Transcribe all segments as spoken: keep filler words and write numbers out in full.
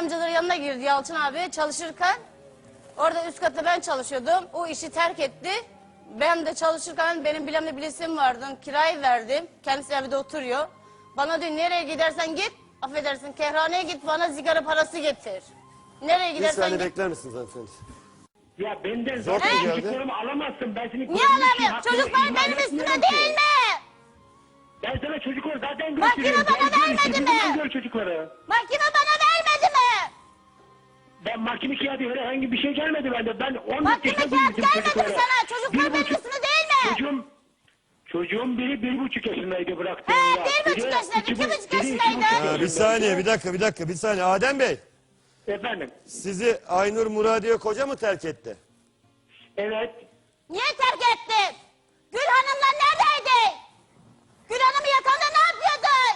amcaların yanına girdi Yalçın abi çalışırken. Orada üst katta ben çalışıyordum. O işi terk etti. Ben de çalışırken benim bilemli bilesim vardı. Kirayı verdim. Kendisi evde oturuyor. Bana diyor nereye gidersen git. Affedersin kerhaneye git bana sigara parası getir. Nereye Bir gidersen saniye git. bekler misiniz hanımefendi? Ya benden Zor zaten mu geldi? çocuklarımı alamazsın. Ben seni Niye korumak için alamıyorum? hakkımı Çocuklar ihlal benim etmiyorum üstüme ki. değil mi? Ben sana çocukları zaten Mahkeme gösteriyorum. bana Gel, gör, vermedi istediğin mi? Gör çocukları. Mahkeme bana vermedi mi? Ben mahkeme kağıdı herhangi bir şey gelmedi bende. Ben on dört Mahkeme yaşında kağıt büyüdüm gelmedi mi çocukları. sana? Çocuklar Bir benim buçuk- üstüme değil mi? Çocuğum, çocuğum biri bir buçuk yaşındaydı bıraktığım He, ya. bir buçuk Biri yaşındaydı, iki iki bu- buçuk biri iki yaşındaydı. buçuk Ha, bir saniye, bir dakika, bir dakika, bir saniye. Adem Bey, Efendim, sizi Aynur Muradiye koca mı terk etti? evet. Niye terk ettin? Gül Hanım'la neredeydin? Gül Hanım'ı yakanda ne yapıyordun?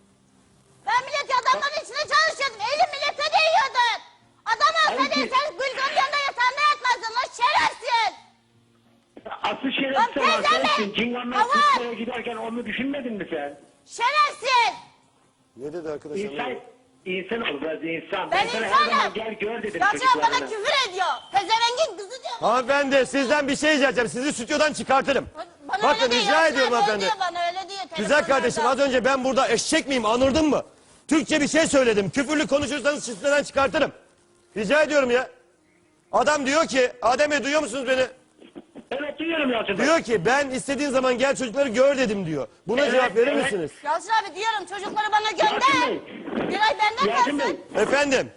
Ben millet adamların içinde çalışıyordum. Elim millete değiyordun. Adam olsaydın Hayır. sen Gülcan'ın yanında yatağında yatmazdın. Lan şerefsiz. Aslı şerefsiz Lan olan teyzeme, sensin. Cinganlar avar. Kutlu'ya giderken onu düşünmedin mi sen? Şerefsiz. Ne dedi arkadaş? İnsan, anlamadım. insan ol biraz insan. Ben sana her zaman insanım. gel gör dedim Yalçın bana çocuklarına. küfür ediyor. Pezevengin kızı diyor. Hanımefendi, sizden bir şey diyeceğim. Sizi stüdyodan çıkartırım. Bana Bakın öyle diyor, rica Yalçın ediyorum abi hanımefendi. öyle diyor bana öyle diyor. Güzel telefonlarda. kardeşim, az önce ben burada eşek miyim, anırdın mı? Türkçe bir şey söyledim. Küfürlü konuşursanız stüdyodan çıkartırım. Rica ediyorum ya. Adam diyor ki, Adem Bey duyuyor musunuz beni? Evet duyuyorum Yalçın Bey. Diyor ki ben istediğin zaman gel çocukları gör dedim diyor. Buna Evet, cevap verir evet. misiniz? Yalçın abi diyorum çocukları bana gönder. Yalçın Bey. Güray benden Yalçın Bey. gelsin. Efendim?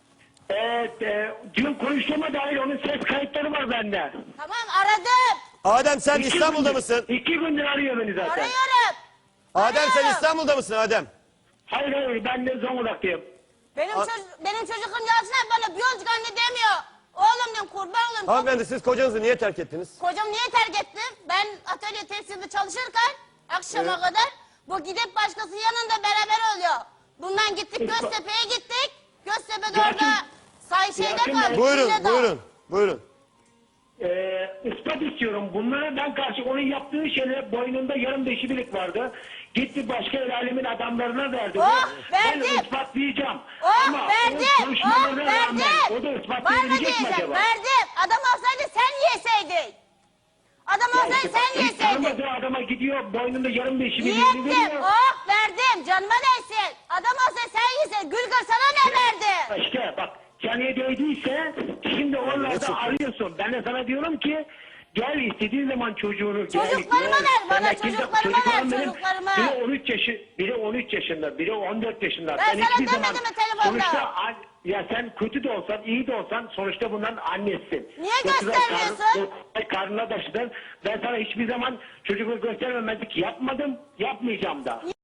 Evet, e, dün konuştuğuma dair onun ses kayıtları var bende. Tamam aradım. Adem sen İki İstanbul'da gündür- mısın? İki gündür arıyor beni zaten. Arıyorum. Adem sen Arıyorum. İstanbul'da mısın Adem? Hayır hayır ben de Zonguldak'tayım. Benim, A- çocuk, benim çocuğum Yalçın abi bana biyolojik anne demiyor. Oğlum diyorum kurban olayım. Hanımefendi siz kocanızı niye terk ettiniz? Kocam niye terk ettim? Ben atölye tekstilde çalışırken akşama Evet. kadar bu gidip başkasının yanında beraber oluyor. Bundan gittik Göztepe'ye gittik. Göztepe'de Yalçın- orada say şeyde Yalçın kaldık. Bey. Buyurun Villada. buyurun buyurun. Ee, ispat istiyorum. Bunlara ben karşı onun yaptığı şeylere boynunda yarım beşi bilik vardı. Gitti başka el alemin adamlarına verdi. Oh, Ben verdim. ispatlayacağım. Oh Ama verdim. o konuşmalarına Oh rağmen verdim. o da Var mı ispatlayabilecek mi diyeceğim? acaba? Verdim. Adam olsaydı sen yeseydin. Adam Ya olsaydı işte sen hiç yeseydin. tanımadığı adama gidiyor boynunda yarım beşi biliğini Yettim. veriyor. Oh verdim. Canıma değsin. Adam olsaydı sen yeseydin. Gülgür sana ne verdi? İşte bak caniye değdiyse şimdi oralarda arıyorsun. Ben de sana diyorum ki gel istediğin zaman çocuğunu gel. Çocuklarıma gel. ver, bana Sen de kimse- çocuklarıma ver, çocuklarım benim- çocuklarıma. Biri on üç yaşı, biri on üç yaşında, biri on dört yaşında. Ben Sen sana hiçbir demedim zaman- mi telefonda? Sonuçta an- ya sen kötü de olsan, iyi de olsan sonuçta bunların annesisin. Niye Yoksa göstermiyorsun? karnı- Karnına taşıdın. Ben sana hiçbir zaman çocukları göstermemezlik yapmadım, yapmayacağım da.